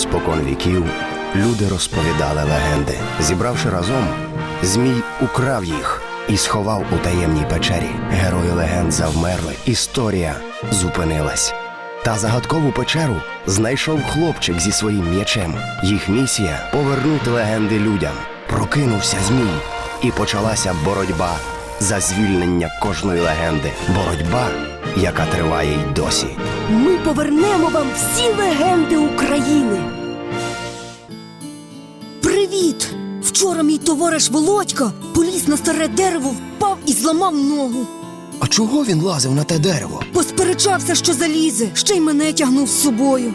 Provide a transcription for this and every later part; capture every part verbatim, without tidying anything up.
Спокон віків люди розповідали легенди. Зібравши разом, Змій украв їх і сховав у таємній печері. Герої легенд завмерли, історія зупинилась. Та загадкову печеру знайшов хлопчик зі своїм м'ячем. Їх місія – повернути легенди людям. Прокинувся Змій, і почалася боротьба за звільнення кожної легенди. Боротьба, яка триває й досі. Ми повернемо вам всі легенди України. Привіт! Вчора мій товариш Володька поліз на старе дерево, впав і зламав ногу. А чого він лазив на те дерево? Посперечався, що залізе, ще й мене тягнув з собою.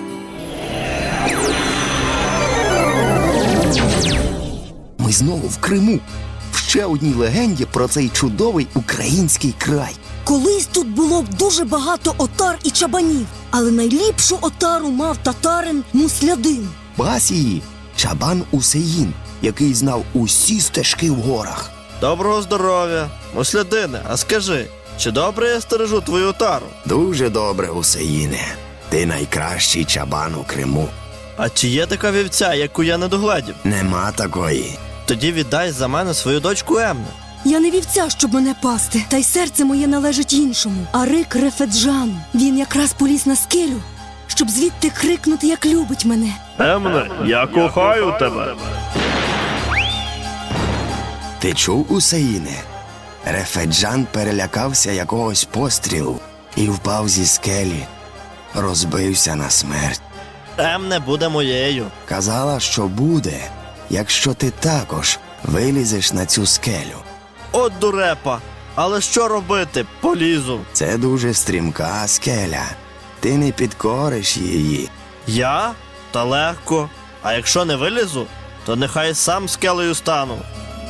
Ми знову в Криму. В ще одній легенді про цей чудовий український край. Колись тут було дуже багато отар і чабанів, але найліпшу отару мав татарин Муслядин. Пас її Чабан Усеїн, який знав усі стежки в горах. Доброго здоров'я, Муслядине, а скажи, чи добре я стережу твою отару? Дуже добре, Усеїне. Ти найкращий чабан у Криму. А чи є така вівця, яку я не догледів? Нема такої. Тоді віддай за мене свою дочку Емну. Я не вівця, щоб мене пасти, та й серце моє належить іншому. Арик Рефеджану. Він якраз поліз на скелю, щоб звідти крикнути, як любить мене. Емне, я кохаю тебе. Ти чув, Усеїне? Рефеджан перелякався якогось пострілу і впав зі скелі. Розбився на смерть. Емне буде моєю. Казала, що буде, якщо ти також вилізеш на цю скелю. От дурепа, але що робити? Полізу. Це дуже стрімка скеля. Ти не підкориш її. Я? Та легко. А якщо не вилізу, то нехай сам скелею стану.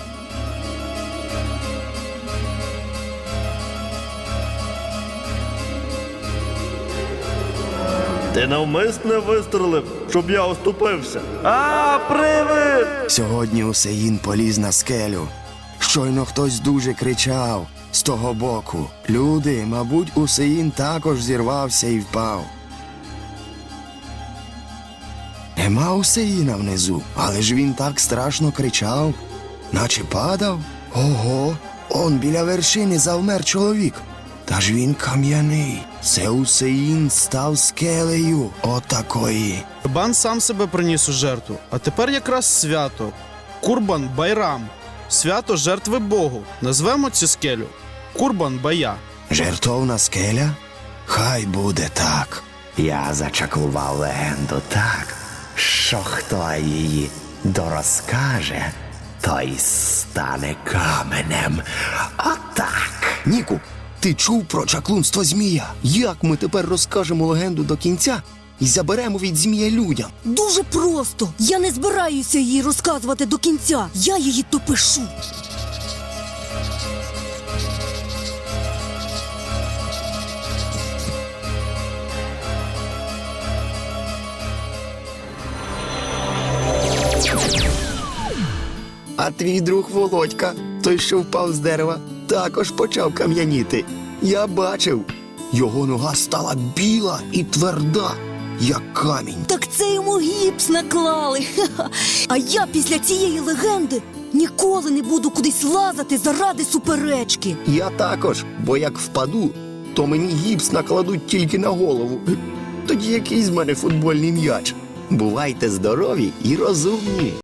Ти навмисне вистрелив, щоб я оступився. А, привид! Сьогодні Усеїн поліз на скелю. Щойно хтось дуже кричав з того боку. Люди, мабуть, Усеїн також зірвався і впав. Нема Усеїна внизу, але ж він так страшно кричав, наче падав. Ого, он біля вершини завмер чоловік. Та ж він кам'яний. Це Усеїн став скелею отакої. Чабан сам себе приніс у жертву, а тепер якраз свято. Курбан-Байрам. Свято жертви Богу. Назвемо цю скелю Курбан-Бая. Жертовна скеля? Хай буде так. Я зачаклував легенду так, що хто її дорозкаже, той стане каменем. Отак. Ніку, ти чув про чаклунство змія? Як ми тепер розкажемо легенду до кінця і заберемо від змія людям? Дуже просто. Я не збираюся її розказувати до кінця. Я її допишу. А твій друг Володька, той, що впав з дерева, також почав кам'яніти. Я бачив. Його нога стала біла і тверда, як камінь. Так це йому гіпс наклали. Ха-ха. А я після цієї легенди ніколи не буду кудись лазати заради суперечки. Я також, бо як впаду, то мені гіпс накладуть тільки на голову. Тоді який з мене футбольний м'яч? Бувайте здорові і розумні.